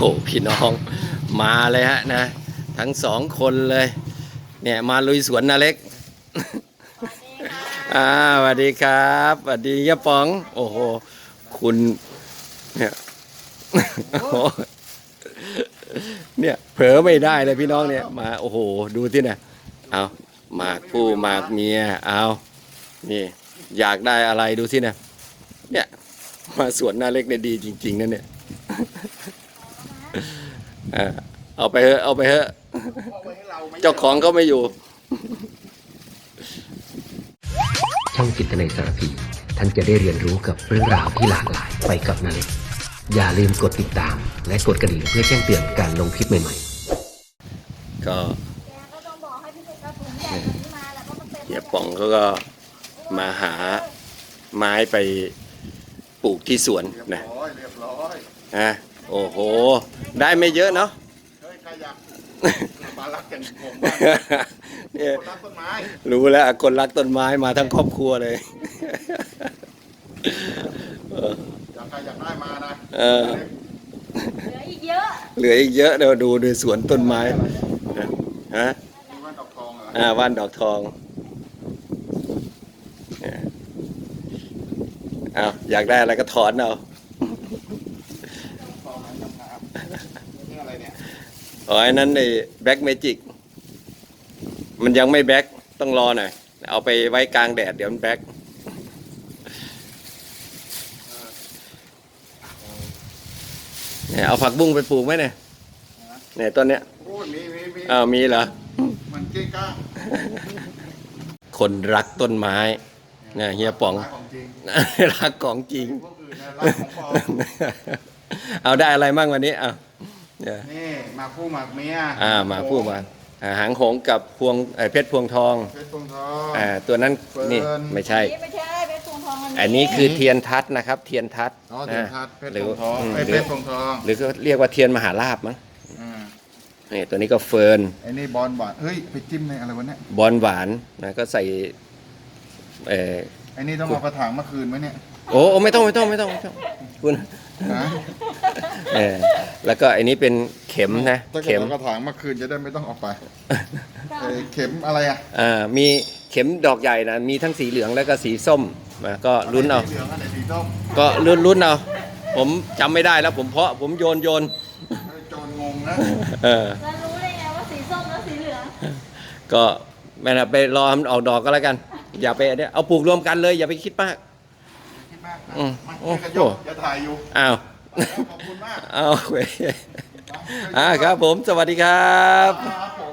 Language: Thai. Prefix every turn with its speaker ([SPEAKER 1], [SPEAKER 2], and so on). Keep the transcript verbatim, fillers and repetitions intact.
[SPEAKER 1] พี่น้องมาเลยฮะนะทั้งสองคนเลยเนี่ยมาลุยสวนนาเล็กอ่าสวัสดีครับสวัสดียะป๋องโอ้โหคุณเนี่ยเนี่ยเผลอไม่ได้เลยพี่น้องเนี่ยมาโอ้โหดูที่เนี่ยเอาหมากผู้หมากเมียเอานี่อยากได้อะไรดูสิเนี่ยเนี่ยมาสวนนาเล็กเนี่ยดีจริงๆนั่นเนี่ยเอาไปเถอะเอาไปเถอะเจ้าของก็ไม่อยู่
[SPEAKER 2] ช่องจิตนาสารพีท่านจะได้เรียนรู้กับเรื่องราวที่หลากหลายไปกับนาเล็กอย่าลืมกดติดตามและกดกระดิ่งเพื่อแจ้งเตือนการลงคลิปใหม่
[SPEAKER 1] ๆก็เฮียป๋องเขาก็มาหาไม้ไปปลูกที่สวนนะฮะโอ้โหได้ไม่เยอะเนาะ
[SPEAKER 3] มารักกันผมบ้างเนี่ยคนรักต้นไม้
[SPEAKER 1] รู้แล้วคนรักต้นไม้มาทั้งครอบครัวเลย
[SPEAKER 3] อยากใครอยากได้มานะ
[SPEAKER 1] เออ
[SPEAKER 4] เหลืออีกเยอะ
[SPEAKER 1] เหลืออีกเยอะเดี๋ยวดูดูสวนต้นไม้ฮะ
[SPEAKER 3] ว่านดอกทองเหรอ
[SPEAKER 1] อ่าว่านดอกทองเอาอยากได้อะไรก็ถอนเอาอ๋อไอ้นั้นในแบ็กเมจิกมันยังไม่แบ็กต้องรอหน่อยเอาไปไว้กลางแดดเดี๋ยวมันแบ็กเนี่ยเอาผักบุ้งไปปลูกไหมเนี่ยเนี่ยต้นเนี้ย
[SPEAKER 3] โอ้มีมีมี
[SPEAKER 1] อ้าวมีเหรอ
[SPEAKER 3] มันเก้งก้า
[SPEAKER 1] คนรักต้นไม้เนี่ยเฮียป๋องรักของจริงเอาได้อะไรบ้างวันนี้เอา
[SPEAKER 3] นี่มาคู่หมากเมีย
[SPEAKER 1] อ่ามาคู่มาหางหงกับพวงเพชรพวงทอง
[SPEAKER 3] เพชรพวงทอง
[SPEAKER 1] อ่าตัวนั้นนี่ไม่ใช่
[SPEAKER 4] ไม่ใช่เพชรพวงทอง
[SPEAKER 1] อันนี้คือเทียนทัศนะครับเทียนทัศ
[SPEAKER 3] อ๋อเทียนทัศเพชรพวงทองเพชรพวงทอง
[SPEAKER 1] หรือก็เรียกว่าเทียนมหาลาภมั้งนี่ตัวนี้ก็เฟิร์น
[SPEAKER 3] ไอ้นี่บอลหวานเฮ้ยไปจิ้มในอะไรวะเนี่ย
[SPEAKER 1] บอลหวานนะก็ใส่เออ
[SPEAKER 3] ไอ้นี่ต้องเอากระถางมาคืนไหมเนี่ย
[SPEAKER 1] โอ้ไม่ต้องไม่ต้องไม่ต้องไม่ต้องคุณเออแล้วก็อันนี้เป็นเข็มนะ
[SPEAKER 3] เข็มกระถางเมื่อคืนจะได้ไม่ต้องออกไปเข็มอะไรอ่ะ
[SPEAKER 1] อ่ามีเข็มดอกใหญ่นะมีทั้งสีเหลืองแล้วก็สีส้มนะก็ลุ้นเอาก็ลุ้นลุ้นเอาผมจำไม่ได้แล้วผมเพาะผมโยนโยน
[SPEAKER 3] โจนงงนะ
[SPEAKER 1] เออ
[SPEAKER 4] แล้วรู้ได้ไงว่าสีส้มแล้วสีเหลือง
[SPEAKER 1] ก็แม่นะไปรอมันออกดอกก็แล้วกันอย่าไปเนี่ยเอาปลูกรวมกันเลยอย่าไปคิดมาก
[SPEAKER 3] อืมโอ้โหจะถ่ายอยู่
[SPEAKER 1] อ้าว
[SPEAKER 3] ขอบคุณมาก
[SPEAKER 1] อ้าวเว้ยอ่าครับผมสวัสดีครับ